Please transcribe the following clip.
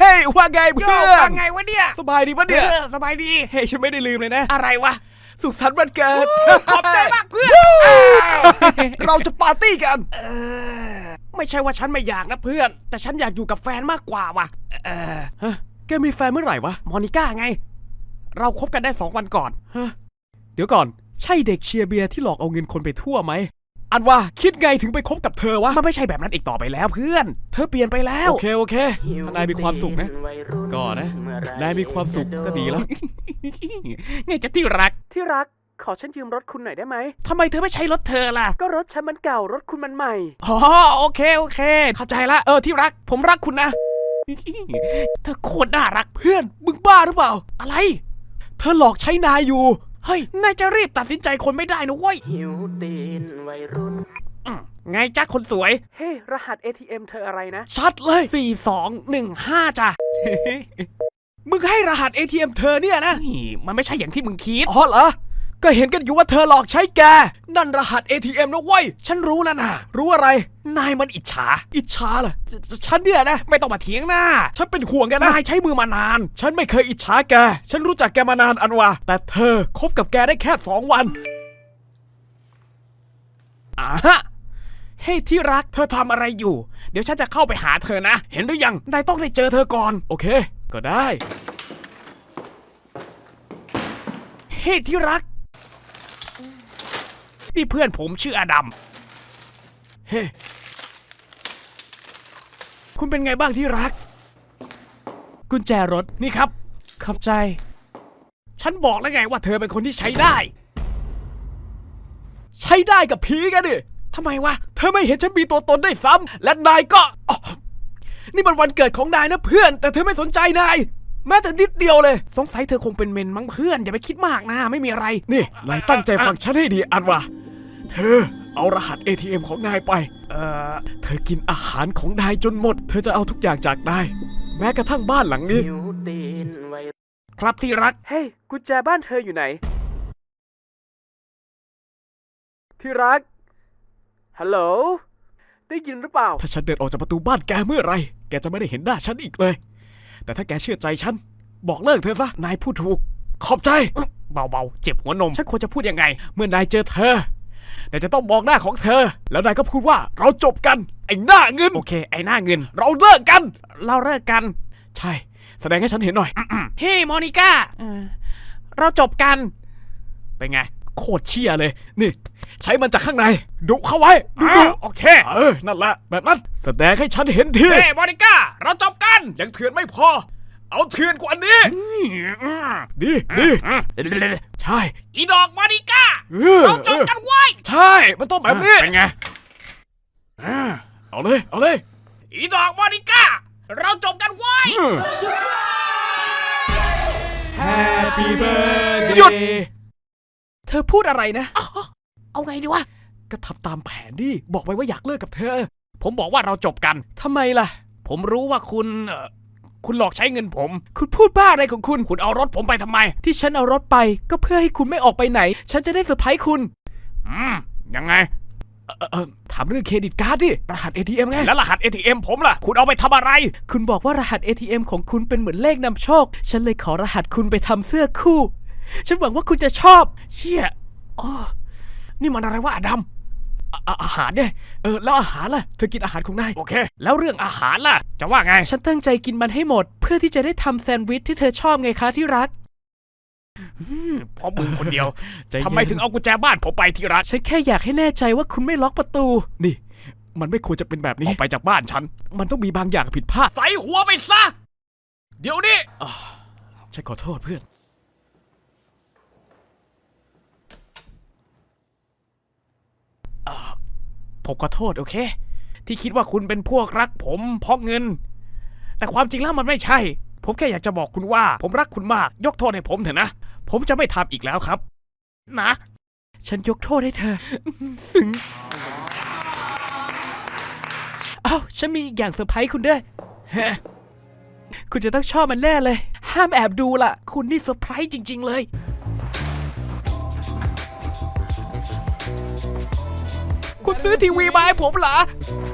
ฮ้ยว่าไงเพื่อนว่าไงวะเนี่ยสบายดีปะเนี่ยสบายดีเฮ้ยฉันไม่ได้ลืมเลยนะอะไรวะสุขสันต์วันเกิดขอบใจมากเพื่อนเราจะปาร์ตี้กันไม่ใช่ว่าฉันไม่อยากนะเพื่อนแต่ฉันอยากอยู่กับแฟนมากกว่าว่ะฮะแกมีแฟนเมื่อไหร่วะมอนิก้าไงเราคบกันได้2 วันก่อนฮะเดี๋ยวก่อนใช่เด็กเชียร์เบียร์ที่หลอกเอาเงินคนไปทั่วไหมอันว่าคิดไงถึงไปคบกับเธอวะมันไม่ใช่แบบนั้นอีกต่อไปแล้วเพื่อนเธอเปลี่ยนไปแล้วโอเคถ้านายมีความสุขนะก็นะนายมีความสุขก็ดีแล้วไงจะที่รักขอฉันยืมรถคุณหน่อยได้ไหมทำไมเธอไม่ใช้รถเธอล่ะก็รถฉันมันเก่ารถคุณมันใหม่อ๋อโอเคเข้าใจละที่รักผมรักคุณนะเธอโคตรน่ารักเพื่อนมึงบ้าหรือเปล่าอะไรเธอหลอกใช้นายอยู่เฮ้ยนายจะรีบตัดสินใจคนไม่ได้นะเว้ยหิวตีนวัยรุ่นไงจ๊ะคนสวยเฮ้รหัส ATM เธออะไรนะชัดเลย4215จ้ะมึงให้รหัส ATM เธอเนี่ยนะมันไม่ใช่อย่างที่มึงคิดอ๋อเหรอก็เห็นกันอยู่ว่าเธอหลอกใช้แกนั่นรหัส ATM นะเว้ยฉันรู้แล้วนะรู้อะไรนายมันอิจฉาเหรอฉันเนี่ยนะไม่ต้องมาเถียงหน้าฉันเป็นห่วงแกนะนายใช้มือมานานฉันไม่เคยอิจฉาแกฉันรู้จักแกมานานอันวะแต่เธอคบกับแกได้แค่2 วันฮะเฮ้ยที่รักเธอทำอะไรอยู่เดี๋ยวฉันจะเข้าไปหาเธอนะเห็นหรือยังนายต้องได้เจอเธอก่อนโอเคก็ได้เฮ้ยที่รักนี่เพื่อนผมชื่ออดัมเฮ้คุณเป็นไงบ้างที่รักกุญแจรถนี่ครับขอบใจฉันบอกแล้วไงว่าเธอเป็นคนที่ใช้ได้กับผีกันดิทำไมวะเธอไม่เห็นฉันมีตัวตนได้ซ้ำและนายก็นี่มันวันเกิดของนายนะเพื่อนแต่เธอไม่สนใจนายแม้แต่นิดเดียวเลยสงสัยเธอคงเป็นเมนมั้งเพื่อนอย่าไปคิดมากนะไม่มีอะไรนี่นายตั้งใจฟังฉันให้ดีอันวะเธอเอารหัส ATM ของนายไปเธอกินอาหารของนายจนหมดเธอจะเอาทุกอย่างจากนายแม้กระทั่งบ้านหลังนี้ครับที่รักเฮ้ยกุญแจบ้านเธออยู่ไหนที่รักฮัลโหลได้ยินหรือเปล่าถ้าฉันเดินออกจากประตูบ้านแกเมื่อไรแกจะไม่ได้เห็นหน้าฉันอีกเลยแต่ถ้าแกเชื่อใจฉันบอกเลิกเธอซะนายพูดถูกขอบใจเบาๆเจ็บหัวนมฉันควรจะพูดยังไงเมื่อนายเจอเธอนายจะต้องมองหน้าของเธอแล้วนายก็พูดว่าเราจบกันไอ้หน้าเงินโอเคไอ้หน้าเงินเราเลิกกันใช่แสดงให้ฉันเห็นหน่อยเฮ้มอนิก้าเราจบกันเป็นไงโคตรเชี่ยเลยนี่ใช้มันจากข้างในดุเข้าไว้ดุโอเคนั่นแหละแบบนั้นแสดงให้ฉันเห็นทีเฮ้มอนิก้าเราจบกันยังเถื่อนไม่พอเอาเถื่อนกว่านี้ดีใช่อีดอกมอนิก้าเราจบกันไว้ใช่มันต้องแบบนี้เป็นไงเอาเลยอีดอกมอนิก้าเราจบกันไว้ Happy birthday หยุดเธอพูดอะไรนะเอาไงดีวะก็ทำตามแผนดิบอกไปว่าอยากเลิกกับเธอผมบอกว่าเราจบกันทำไมล่ะผมรู้ว่าคุณหลอกใช้เงินผมคุณพูดบ้าอะไรของคุณเอารถผมไปทำไมที่ฉันเอารถไปก็เพื่อให้คุณไม่ออกไปไหนฉันจะได้เซอร์ไพรส์คุณยังไงถามเรื่องเครดิตการ์ดดิรหัส ATM ไงแล้วรหัส ATM ผมล่ะคุณเอาไปทำอะไรคุณบอกว่ารหัส ATM ของคุณเป็นเหมือนเลขนำโชคฉันเลยขอรหัสคุณไปทำเสื้อคู่ฉันหวังว่าคุณจะชอบเชี่ยนี่มันอะไรวะอดัมอาหารเนี่ยแล้วอาหารล่ะเธอกินอาหารของนายโอเคแล้วเรื่องอาหารล่ะจะว่าไงฉันตั้งใจกินมันให้หมดเพื่อที่จะได้ทำแซนด์วิชที่เธอชอบไงคะที่รักเพราะมึงคนเดียวทำไมถึงเอากุญแจบ้านผมไปที่รักฉันแค่อยากให้แน่ใจว่าคุณไม่ล็อกประตูนี่มันไม่ควรจะเป็นแบบนี้ออกไปจากบ้านฉันมันต้องมีบางอย่างผิดพลาดใส่หัวไปซะเดี๋ยวนี้ฉันขอโทษเพื่อนผมขอโทษโอเคที่คิดว่าคุณเป็นพวกรักผมเพราะเงินแต่ความจริงแล้วมันไม่ใช่ผมแค่อยากจะบอกคุณว่าผมรักคุณมากยกโทษให้ผมเถอะนะผมจะไม่ทำอีกแล้วครับนะฉันยกโทษให้เธอซึ้งฉันมีอีกอย่างเซอร์ไพรส์คุณด้วยคุณจะต้องชอบมันแน่เลยห้ามแอบดูล่ะคุณนี่เซอร์ไพรส์จริงๆเลยคุณซื้อทีวีมาให้ผมเหรอ